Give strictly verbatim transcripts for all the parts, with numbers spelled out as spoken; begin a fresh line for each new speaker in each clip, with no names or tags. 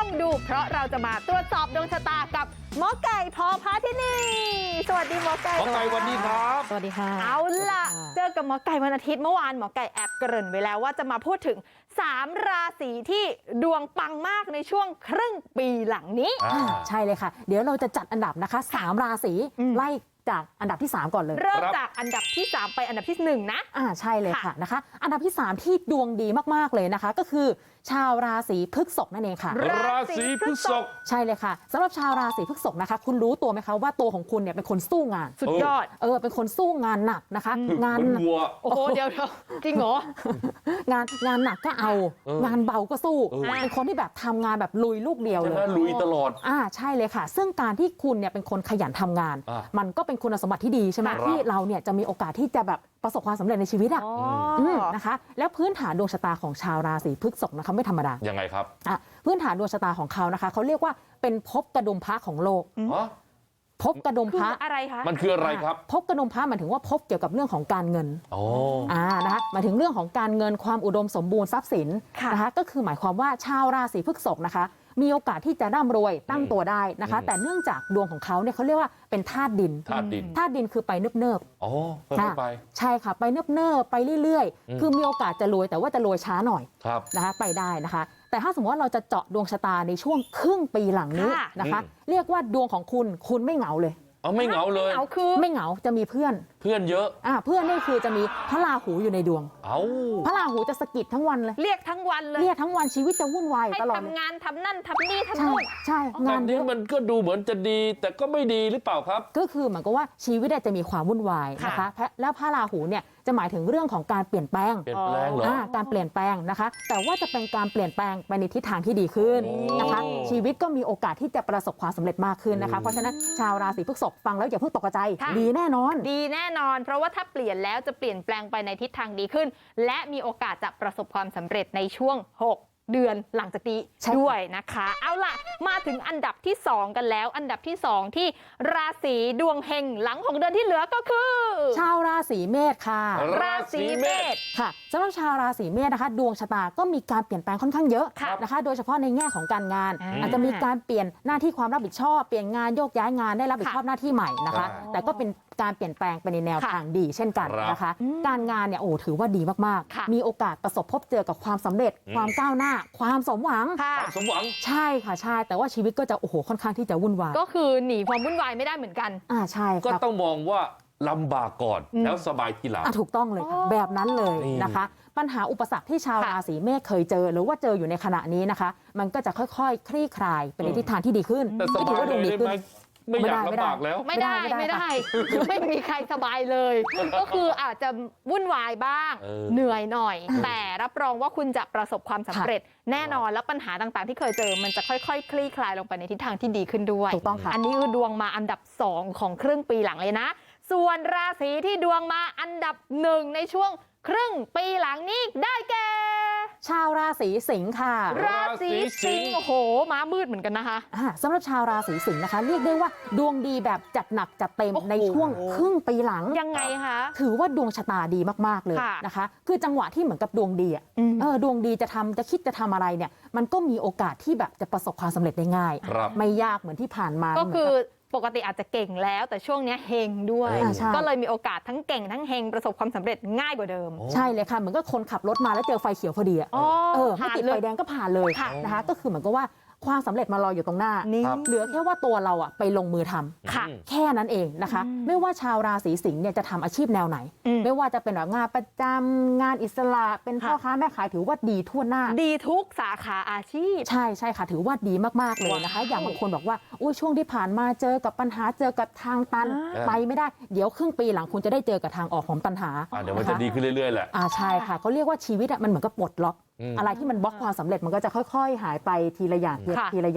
ดูเพราะเราจะมาตรวจสอบดวงชะตากับหมอไก่พพาธินีสวัสดีหมอไก่
หมอไก่วันนี้ครับ
สวัสดีค่ะ
เอาล่ะเจอกับหมอไก่วันอาทิตย์เมื่อวานหมอไก่แอบเกริ่นไว้แล้วว่าจะมาพูดถึงสามราศีที่ดวงปังมากในช่วงครึ่งปีหลังนี้
ใช่เลยค่ะเดี๋ยวเราจะจัดอันดับนะคะสามราศีไล่จากอันดับที่สามก่อนเลย
เริ่มจากอันดับที่สามไปอันดับที่หนึ่งนะ
อ่าใช่เลยค่ะนะคะอันดับที่สามที่ดวงดีมากๆเลยนะคะก็คือชาวราศีพฤษภนั่นเองค่ะ
ราศีพฤษภ
ใช่เลยค่ะสำหรับชาวราศีพฤษภนะคะคุณรู้ตัวไหมคะว่าตัวของคุณเนี่ยเป็นคนสู้งาน
สุดยอด
เออเป็นคนสู้งานหนักนะคะงาน
วัว
โอ้โหเดี๋ยวจริงเหร
องานงานหนักก็เอางานเบาก็สู้เป็นคนที่แบบทำงานแบบลุยลูกเดียวเลย
ลุยตลอด
อ่าใช่เลยค่ะซึ่งการที่คุณเนี่ยเป็นคนขยันทำงานมันก็เป็นคุณสมบัติที่ดีใช่ไหมที่เราเนี่ยจะมีโอกาสที่จะแบบประสบความสำเร็จในชีวิตอ่ะนะคะแล้วพื้นฐานดวงชะตาของชาวราศีพฤษภนะคะไม่ธรรมดา
ยังไงครับ
อ่ะพื้นฐานดวงชะตาของเขานะคะเขาเรียกว่าเป็นภพกระดุมพระของโลกภพกระดุมพระ
อะไรคะ
มันคืออะไรครับ
ภพกระดุมพระหมายถึงว่าภพเกี่ยวกับเรื่องของการเงิน
อ๋อ
อ่านะคะหมายถึงเรื่องของการเงินความอุดมสมบูรณ์ทรัพย์สินนะคะก็คือหมายความว่าชาวราศีพฤษภนะคะมีโอกาสที่จะร่ำรวยตั้งตัวได้นะคะแต่เนื่องจากดวงของเขาเนี่ยเขาเรียกว่าเป็นธาตุดิน
ธาตุดิน
ธาตุดินคือไปเนิบ
ๆอ๋อไป
ใช่ค่ะไปเนิบๆไปเรื่อยๆคือมีโอกาสจะรวยแต่ว่าจะรวยช้าหน่อยนะคะไปได้นะคะแต่ถ้าสมมติว่าเราจะเจาะดวงชะตาในช่วงครึ่งปีหลังนี้นะคะเรียกว่าดวงของคุณคุณไม่เหงาเลย
เอาไม่เหงาเลย
เอาคือ
ไม่เหงาจะมีเพื่อน
เพื่อนเยอะ
อ่าเพื่อนนี่คือจะมีพระราหูอยู่ในดวง
เอา
พระราหูจะสะกิดทั้งวันเลย
เรียกทั้งวันเลย
เรียกทั้งวันชีวิตจะวุ่นวายตลอด
ให้ทำงานทำนั่นทำนี่ทำนู่น
ใช่
งานนี้มันก็ดูเหมือนจะดีแต่ก็ไม่ดีหรือเปล่าครับ
ก็คือเหมือนกับว่าชีวิตจะมีความวุ่นวายนะคะแล้วพระราหูเนี่ยจะหมายถึงเรื่องของการเปลี่ยนแปลง
เปลี่ยนแปลงเหรอ
การเปลี่ยนแปลงนะคะแต่ว่าจะเป็นการเปลี่ยนแปลงไปในทิศทางที่ดีขึ้นนะคะชีวิตก็มีโอกาสที่จะประสบความสำเร็จมากขึ้นนะคะเพราะฉะนั้นชาวราศีพฤษภฟังแล้วอย่าเพิ่งตกใจดีแน่นอน
ดีแน่นอนเพราะว่าถ้าเปลี่ยนแล้วจะเปลี่ยนแปลงไปในทิศทางดีขึ้นและมีโอกาสจะประสบความสำเร็จในช่วงหกเดือนหลังจากนี้ด้วยนะคะเอาล่ะมาถึงอันดับที่สองกันแล้วอันดับที่สองที่ราศีดวงเฮงหลังของเดือนที่เหลือก็คือ
ชาวราศีเมษค่ะ
ราศีเมษ
ค่ะสำหรับชาวราศีเมษนะคะดวงชะตาก็มีการเปลี่ยนแปลงค่อนข้างเยอะนะคะโดยเฉพาะในแง่ของการงานอาจจะมีการเปลี่ยนหน้าที่ความรับผิดชอบเปลี่ยนงานโยกย้ายงานได้รับผิดชอบหน้าที่ใหม่นะคะแต่ก็เป็นการเปลี่ยนแปลงไปในแนวทางดีเช่นกันนะคะการงานเนี่ยโอ้ถือว่าดีมากๆมีโอกาสประสบพบเจอกับความสำเร็จความก้าวหน้าความสมหวัง
ความสมหวัง
ใช่ค่ะใช่แต่ว่าชีวิตก็จะโอ้โหค่อนข้างที่จะวุ่นวาย
ก็คือหนีความวุ่นวายไม่ได้เหมือนกัน
อ่าใช่
ก็ต้องมองว่าลำบากก่อนแล้วสบายทีหลัง
ถูกต้องเลยค่ะแบบนั้นเลยนะคะปัญหาอุปสรรคที่ชาวราศีเมษเคยเจอหรือว่าเจออยู่ในขณะนี้นะคะมันก็จะค่อยๆคลี่คลายเป็นในทิศทางที่ดีขึ้น
แต่สบายเลยได้ไหมไม่อยากลำบากแล้ว
ไม่ได้ไม่ได้ไม่มีใครสบายเลยก็คืออาจจะวุ่นวายบ้างเหนื่อยหน่อยแต่รับรองว่าคุณจะประสบความสำเร็จแน่นอนแล้วปัญหาต่างๆที่เคยเจอมันจะค่อยๆคลี่คลายลงไปในทิศทางที่ดีขึ้นด้วย
ถูกต้องค่ะ
อันนี้คือดวงมาอันดับสองของครึ่งปีหลังเลยนะส่วนราศีที่ดวงมาอันดับหนึ่งในช่วงครึ่งปีหลังนี้ได้แก่
ชาวราศีสิงค์ค่ะ
ราศีสิงค์โอ้โหม้ามืดเหมือนกันนะคะ
สำหรับชาวราศีสิงค์นะคะเรียกได้ว่าดวงดีแบบจัดหนักจัดเต็มในช่วงครึ่งปีหลัง
ยังไงคะ
ถือว่าดวงชะตาดีมากๆเลยนะคะคือจังหวะที่เหมือนกับดวงดีอ่ะเออดวงดีจะทำจะคิดจะทำอะไรเนี่ยมันก็มีโอกาสที่แบบจะประสบความสำเร็จได้ง่ายไม่ยากเหมือนที่ผ่านมา
ก็คือปกติอาจจะเก่งแล้วแต่ช่วงนี้เฮงด้วยก็เลยมีโอกาสทั้งเก่งทั้งเฮงประสบความสำเร็จง่ายกว่าเดิม
ใช่เลยค่ะเหมือนก็คนขับรถมาแล้วเจอไฟเขียวพอดีอ่ะเออไม่ติดไฟแดงก็ผ่านเลยนะคะก็คือเหมือนกับว่าความสำเร็จมารออยู่ตรงหน้าเหลือแค่ว่าตัวเราอ่ะไปลงมือทำแค่นั้นเองนะคะไม่ว่าชาวราศีสิงห์เนี่ยจะทำอาชีพแนวไหนไม่ว่าจะเป็นแบบงานประจำงานอิสระเป็นพ่อค้าแม่ขายถือว่าดีทั่วหน้า
ดีทุกสาขาอาชีพ
ใช่ใช่ค่ะถือว่าดีมากๆเลยนะคะอย่างบางคนบอกว่าอุ้ยช่วงที่ผ่านมาเจอกับปัญหาเจอกับทางตันไปไม่ได้เดี๋ยวครึ่งปีหลังคุณจะได้เจอกับทางออกของปัญหา
เดี๋ยวมันจะดีขึ้นเรื่อยๆแหละ
อ่าใช่ค่ะเขาเรียกว่าชีวิตมันเหมือนกับปลดล็อกอะไรที่มันบล็อกความสำเร็จมันก็จะค่อยๆหายไปทีละอย่างทีละอย่าง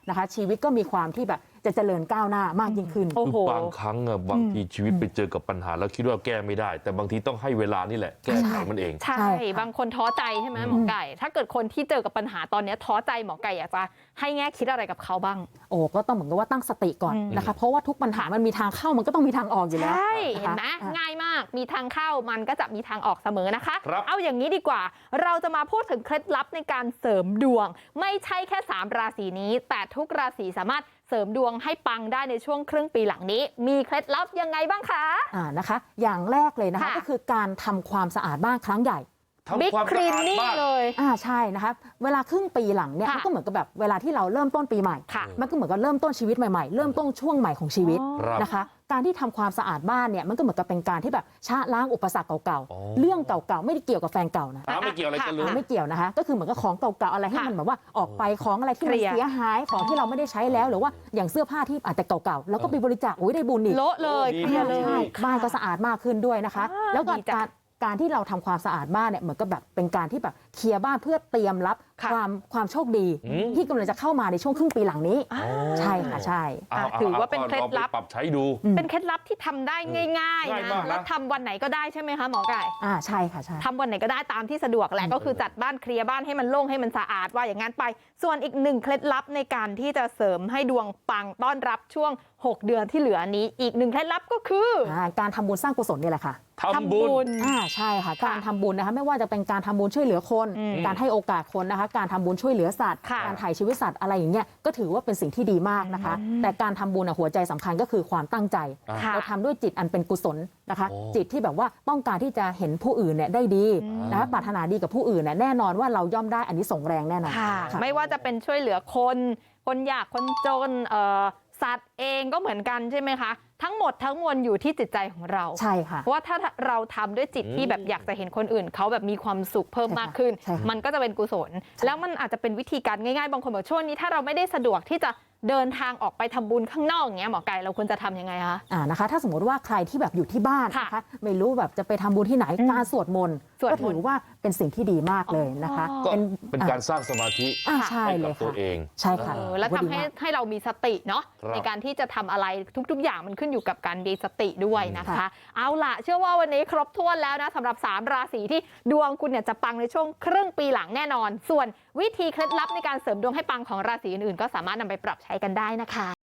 นะคะชีวิตก็มีความที่แบบจะเจริญก้าวหน้ามากยิ่งขึ้น
โอ้โห
คือบางครั้งอะบางทีชีวิตไปเจอกับปัญหาแล้วคิดว่าแก้ไม่ได้ แต่บางทีต้องให้เวลานี่แหละแก้ไขมันเอง
ใช่
ใช่ค่ะ
บางคนท้อใจใช่ไหมหมอไก่ ถ้าเกิดคนที่เจอกับปัญหาตอนนี้ท้อใจหมอไก่อยากจะให้แง่คิดอะไรกับเขาบ้าง
โอ้ก็ต้องเหมือนกับว่าตั้งสติก่อน
อืม
นะคะเพราะว่าทุกปัญหามันมีทางเข้ามันก็ต้องมีทางออกอยู่แล้ว
ใช่
นะคะ
เห็นไหม
อ่ะ
ง่ายมากมีทางเข้ามันก็จะมีทางออกเสมอนะคะ
ครับ
เอาอย่างนี้ดีกว่า เราจะมาพูดถึงเคล็ดลับในการเสริมดวง ไม่ใช่แค่สามราศีนี้ แต่ทุกราศีสามารถเสริมดวงให้ปังได้ในช่วงครึ่งปีหลังนี้ มีเคล็ดลับยังไงบ้างคะ
อ่านะคะ อย่างแรกเลยนะคะ
ค่ะ
ก็คือการทำความสะอาดบ้านครั้งใหญ่
บิ๊ก
ทำความ
ค
สะ
ลีน
อาด
นิ่ง
บ้าน
เลย
อ่าใช่นะคะเวลาครึ่งปีหลังเนี่ย
ค่ะ
มันก็เหมือนกับแบบเวลาที่เราเริ่มต้นปีใหม่
ค่ะ
มันก็เหมือนกับเริ่มต้นชีวิตใหม่ๆ เริ่มต้นช่วงใหม่ของชีวิต
ครับ
นะคะ การที่ทำความสะอาดบ้านเนี่ยมันก็เหมือนกับเป็นการที่แบบชะล้างอุปสรรคเก่า
อ๋อ
ๆ เรื่องเก่าๆไม่ได้เกี่ยวกับแฟนเก่านะ
อ้าวไม่เกี่ยวอะไรกันเลย
ไม่เกี่ยวนะคะ ก็คือเหมือนกับของเก่าๆอะไรให้
ค่ะ
มันแบบว่าออกไปของอะไรที่
เค
มัน
ลียร์
เสียหายของที่เราไม่ได้ใช้แล้วหรือว่าอย่างเสื้อผ้าที่อาจจะเก่าๆแล้วก็ไปบริจาคอุ้ยได้บุญอีก
โละเลย
ดี
เคลียร์เลย
ใช่บ้านก็สะอาดมากขึ้นด้วยนะคะ
อ่า
แล้วก็
ดีจัง
การการที่เราทำความสะอาดบ้านเนี่ยเหมือนกับแบบเป็นการที่แบบเคลียร์บ้านเพื่อเตรียมรับ
ค่ะ
ความความโชคดี
อืม
ที่กำลังจะเข้ามาในช่วงครึ่งปีหลังนี้
อ่า
ใช่ค่ะใช่
เา
ถือว่าเป็นเคล็ดลับ
ก็องไปปรับใช้ดู
อืม
เป็นเคล็ดลับที่ทำได้ง่าย
ง่าย
ๆ
มา
นะ
กนะ
แล้วทำวันไหนก็ได้ใช่ไหมคะหมอไก่
อ่าใช่ค่ะใช่
ทำวันไหนก็ได้ตามที่สะดวกแหละก็คือจัดบ้านเคลียร์บ้านให้มันโล่งให้มันสะอาดว่าอย่างนั้นไป ส่วนอีกหนึ่งเคล็ดลับในการที่จะเสริมให้ดวงปังต้อนรับช่วงหกเดือนที่เหลือนี้ อีกหนึ่งเคล็ดลับก็คือ
อ่าการทำบุญสร้างกุศลนี่แหละค่ะ
ทำบุญ
อ่าใช่ค่ะ
ค่ะ
การทำบุญนะคะไม่ว่าจะเป็นการทำบุญช่วยเหลือคน
อืม
การให้โอกาสคนนะคะ การทำบุญช่วยเหลือสัตว์
ค่ะ
การถ่ายชีวิตสัตว์อะไรอย่างเงี้ยก็ถือว่าเป็นสิ่งที่ดีมากนะคะ
อืม
แต่การทำบุญอะหัวใจสำคัญก็คือความตั้งใจ
ค่ะ
เราทำด้วยจิตอันเป็นกุศลนะคะ
โอ้
จิตที่แบบว่าต้องการที่จะเห็นผู้อื่นเนี่ยได้ดี
อืม
นะคะปรารถนาดีกับผู้อื่นเนี่ยแน่นอนว่าเราย่อมได้อันนี้ส่งส์แรงแน่นอน
ค่ะ
ค่ะ
ไม่ว่าจะเป็นช่วยเหลือคน คนยากคนจนเอ่อสัตว์เองก็เหมือนกันใช่ไหมคะ ทั้งหมดทั้งมวลอยู่ที่จิตใจของเรา
ใช่ค่ะ
เพราะว่าถ้าเราทำด้วยจิตที่แบบอยากจะเห็นคนอื่นเขาแบบมีความสุขเพิ่มมากขึ้น
ใช่ค่ะ
มันก็จะเป็นกุศล แล้วมันอาจจะเป็นวิธีการง่ายๆ บางคนบอกช่วงนี้ถ้าเราไม่ได้สะดวกที่จะเดินทางออกไปทำบุญข้างนอกอย่างเงี้ยหมอไก่เราควรจะทำยังไงคะ
อ่านะคะถ้าสมมติว่าใครที่แบบอยู่ที่บ้าน
ค่ะ
นะคะไม่รู้แบบจะไปทำบุญที่ไหน
อืม
การสวดมนต์
สวดมนต์
ก็ถือว่าเป็นสิ่งที่ดีมากเลยนะคะ
อ๋อ
ก็
เป็น
เป็นการสร้างสมาธิ
อ่า
ค่ะ
ใช่
ให้
เล
กับ
ย
ตัว
ค่ะ
เอง
ใช่ค่ะ
เออแล้วทำให้
ดีมาก
ให้เรามีสติเนาะ
ครับ
ในการที่จะทำอะไรทุก ๆ อย่างมันขึ้นอยู่กับการมีสติด้วยนะคะ
ค่ะ
เอาล่ะ เชื่อว่าวันนี้ครบถ้วนแล้วนะสำหรับสามราศีที่ดวงคุณเนี่ยจะปังในช่วงครึ่งปีหลังแน่นอน ส่วนวิธีเคล็ดลับในการเสริมดวงให้ปังของราศีอื่นๆก็สามารถนำไปปรับใช้กันได้นะคะ